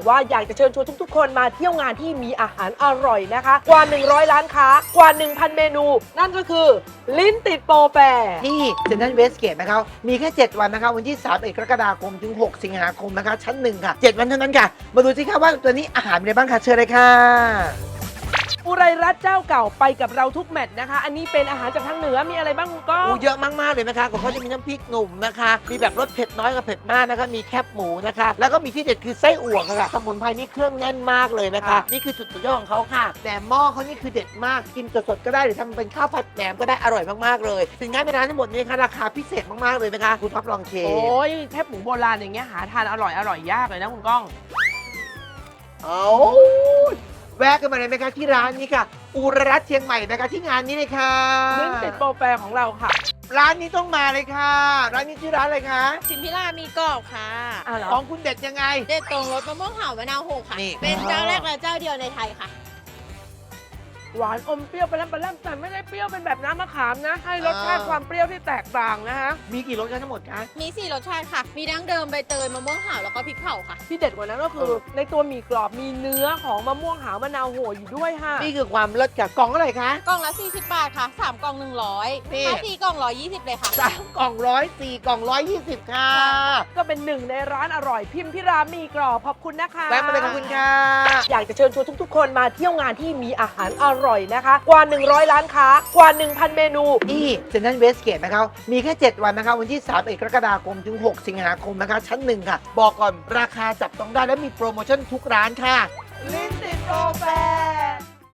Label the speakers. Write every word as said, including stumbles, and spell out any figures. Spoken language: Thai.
Speaker 1: ว่าอยากจะเชิญชวนทุกๆคนมาเที่ยวงานที่มีอาหารอร่อยนะคะกว่าหนึ่งร้อยร้านค้ากว่า หนึ่งพัน เมนูนั่นก็คือลิ้นติดโปรแฟร์
Speaker 2: ที่เซ็นทรัลเวสเกตนะครับมีแค่เจ็ดวันนะคะวันที่สามเอ็ดกรกฎาคมถึงหกสิงหาคมนะคะชั้นหนึ่งค่ะเจ็ดวันเท่านั้นค่ะมาดูสิคะว่าตัวนี้อาหารเป็นอะไรบ้างคะเชิญเลยค่ะ
Speaker 1: อุไรรัตน์เจ้าเก่าไปกับเราทุกแมตช์นะคะอันนี้เป็นอาหารจากทางเหนือมีอะไรบ้างคุณก้อง
Speaker 2: อูเยอะมากๆเลยนะคะของเขาจะมีน้ำพริกหนุ่มนะคะมีแบบรสเผ็ดน้อยกับเผ็ดมากนะคะมีแคบหมูนะคะแล้วก็มีที่เด็ดคือไส้อั่วค่ะสมุนไพรนี่เครื่องแน่นมากเลยนะคะนี่คือจุดสุดยอดของเขาค่ะแหนมหม้อเขานี่คือเด็ดมากกินสดๆก็ได้หรือทำเป็นข้าวผัดแหนมก็ได้อร่อยมากๆเลยสินค้าในร้านทั้งหมดนี้ค่ะราคาพิเศษมากๆเลยนะคะคุณท็อปลองเชฟ
Speaker 1: โอ้ยแคบหมูโบราณอย่างเงี้ยหาทานอร่อยอร่อยยากเลยนะคุณก้อง
Speaker 2: เอาแวะกันมาเลยไหมคะที่ร้านนี้ค่ะอุรรัตน์เชียงใหม่นะคะที่งานนี้เลยค่ะ
Speaker 1: ลิ้นติดโปรแฟร์ของเราค่ะ
Speaker 2: ร้านนี้ต้องมาเลยค่ะ ร้านนี้ชื่อร้านอะไรคะ
Speaker 3: ชิมพิรามีกรอบค่ะ
Speaker 1: อ่ะเหรอ
Speaker 2: ของคุณเด็ดยังไง
Speaker 3: เด็ดตรงรสมะม่วงเห่ามะนาวโหกค่ะ
Speaker 2: นี่
Speaker 3: เป็นเจ้าแรกและเจ้าเดียวในไทยค่ะ
Speaker 1: หวานอมเปรี้ยวไปแล้วไปแล้วแต่ไม่ได้เปรี้ยวเป็นแบบน้ำมะขามนะ ให้รสชาติความเปรี้ยวที่แตกต่างนะฮะ
Speaker 2: มีกี่รสกันทั้งหมดคะ
Speaker 3: มีสี่รสชาติค่ะ มีดั้งเดิมใบเตยมะม่วงเห่าแล้วก็พริกเผาค่ะ
Speaker 1: ที่เด็ดกว่านั้นก็คือ
Speaker 2: เออ
Speaker 1: ในตัวหมี่กรอบมีเนื้อของมะม่วงหาวมะนาวโหอยู่ด้วยค่ะ
Speaker 2: นี่คือความเลิศค่ะกล่องเท่าไหร่คะ
Speaker 3: กล่องละสี่สิบบาทค่ะสามกล่องหนึ่งร้อย
Speaker 2: นี่
Speaker 3: ถ้าสี่กล่องร้อยยี่สิบเลยค่ะ
Speaker 2: สามกล่องร้อยสี่กล่องร้อยยี่สิบค่ะ
Speaker 1: ก็เป็นหนึ่งในร้านอร่อยพิมพิรามีกรอบขอบคุณนะคะ
Speaker 2: แวะมาเลยขอบคุณค่ะ
Speaker 1: อยากจะเชิญชวนทุกๆ คนมาเที่ยวงานที่มีอาหารอร่อยนะคะกว่า หนึ่งร้อย ร้านค้ากว่า หนึ่งพัน เมนู
Speaker 2: ที่เซ็นทรัลเวสเกตนะครับมีแค่เจ็ดวันนะคะวันที่สามเอ็ดกรกฎาคมถึงหกสิงหาคมนะคะชั้นหนึ่งค่ะบอกก่อนราคาจับต้องได้และมีโปรโมชั่นทุกร้านค่ะ
Speaker 1: ลิ้นติดโปรแฟร์